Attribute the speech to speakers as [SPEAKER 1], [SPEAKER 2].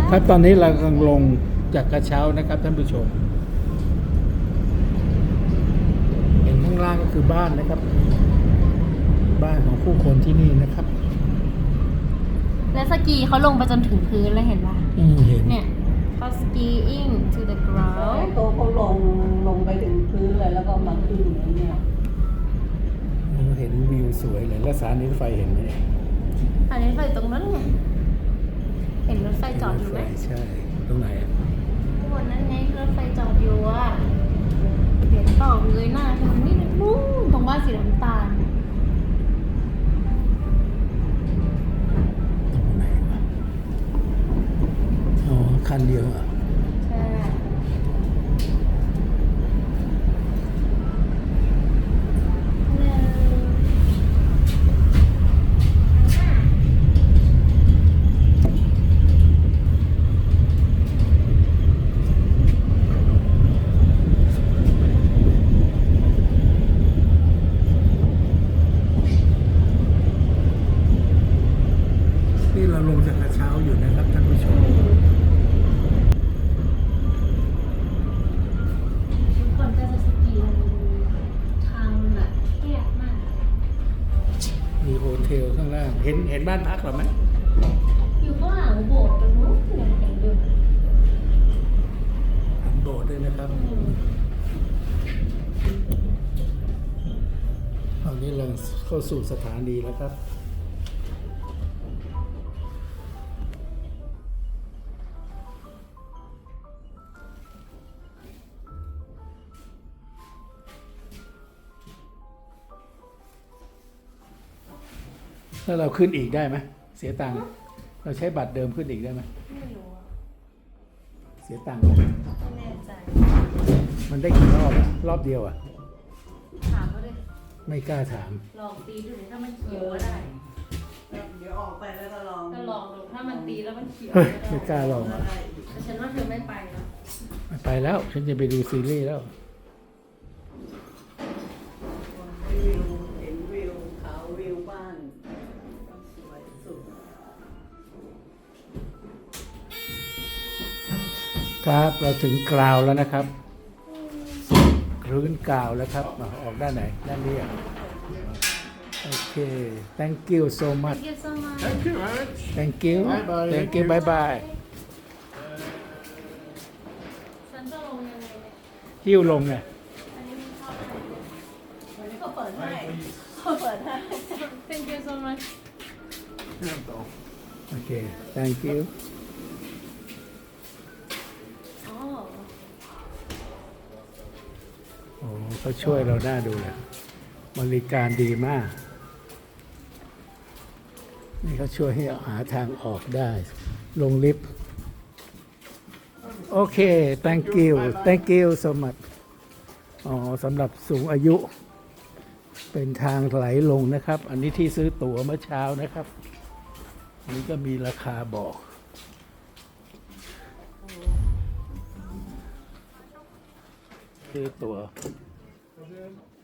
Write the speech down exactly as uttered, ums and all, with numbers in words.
[SPEAKER 1] ครับตอนนี้เรากำลังลงจากกระเช้านะครับท่านผู้ชมเห็นข้างล่างก็คือบ้านนะครับบ้านของผู้คนที่นี่นะครับ
[SPEAKER 2] และสกีเขาลงไปจนถึงพื้นแล้วเห็นป่ะ
[SPEAKER 1] อืมเห็น
[SPEAKER 2] เนี่ยเขา skiing to the
[SPEAKER 3] แล้ว
[SPEAKER 2] ground
[SPEAKER 3] เขาเขาลงลงไปถึงพื้นเลยแล้วก็มาขึ้นอย่างเงี้ย
[SPEAKER 1] เห็นวิวสวยเลยแล้วสถานีรถไฟเห็นไหมเนี่ย
[SPEAKER 2] อันนี้ไฟตรงนั้นไงเห็นรถไฟจอดอยู่ไหม
[SPEAKER 1] รถฟใช่ตรงไหนอะ
[SPEAKER 2] ข้างบนนั้นไงรถไฟจอดอยู่อ่ะเห็นต่อเลยหน้าทางนี้นะนู่นตรงบ้านสีน้ำตาล
[SPEAKER 1] ตรงไหนวะอ๋อคันเดียวอ่ะ
[SPEAKER 2] ใช่
[SPEAKER 1] นี่เราลงจากกระเช้าอยู่นะครับท่านผู้ชม
[SPEAKER 2] ก่อนจะสกีมันทางแบบแคบมาก
[SPEAKER 1] มีโฮเทลข้างล่างเห็นเห็นบ้านพักหรอไหม
[SPEAKER 2] อยู่ข้างหลังโบสถ์ตรงนู้นเนี่ยเห็นอยู่
[SPEAKER 1] เห็นโบสถ์ด้วยนะครับตอนนี้เราเข้าสู่สถานีแล้วครับถ้าเราขึ้นอีกได้ไหมเสียตังค์เราใช้บัตรเดิมขึ้นอีกได้ไหม
[SPEAKER 2] ไม่รู้อะ
[SPEAKER 1] เสียตังค์ไหม
[SPEAKER 2] ไม่แน่ใจ
[SPEAKER 1] มันได้กี่รอบอะรอบเดียวอ่ะ
[SPEAKER 2] ถามเขาดิ
[SPEAKER 1] ไม่กล้าถาม
[SPEAKER 2] ลองตีดูดิถ้ามันเขียวก็ได้
[SPEAKER 3] เดี๋ยวออกไปแล้วก็ลอง
[SPEAKER 2] ก็ลองดูถ้ามันตีแล้วมันเขียว
[SPEAKER 1] เฮ้ย
[SPEAKER 2] ก็
[SPEAKER 1] ไม่
[SPEAKER 2] ได้
[SPEAKER 1] กล้าลองอ่ะ
[SPEAKER 2] แต่ฉันว่าเธอไม่ไปนะ
[SPEAKER 1] ไม่ไปแล้ว ฉันจะไปดูซีรีส์แล้ว
[SPEAKER 3] วิวเห็นวิวเขาวิวบ้านสวยสุด
[SPEAKER 1] ครับเราถึงกราวแล้วนะครับพื้นกราวแล้วครับมาออกด้านไหนด้านนี้อ่ะโอเค thank you so much
[SPEAKER 2] Thank you so much
[SPEAKER 4] Thank you, Alex.
[SPEAKER 1] thank you
[SPEAKER 4] Bye bye.
[SPEAKER 1] thank you bye bye
[SPEAKER 2] ฉันจะลงยังไงเนี่ย
[SPEAKER 1] หิ้วลงไง
[SPEAKER 2] อันนี้มันเข้าไป
[SPEAKER 3] วันนี้เขาเปิดให้เขาเปิดให้
[SPEAKER 2] Thank you so much
[SPEAKER 4] Yeah,
[SPEAKER 1] โอเค thank you
[SPEAKER 2] อ๋อ
[SPEAKER 1] โอ้เขาช่วยเราได้ดูเลยบริการดีมาก นี่เขาช่วยให้หาทางออกได้ ลงลิฟต์ โอเค thank you thank you so much อ๋อสำหรับสูงอายุ เป็นทางไหลลงนะครับ อันนี้ที่ซื้อตั๋วเมื่อเช้านะครับ อันนี้ก็มีราคาบอก ซื้อตั๋ว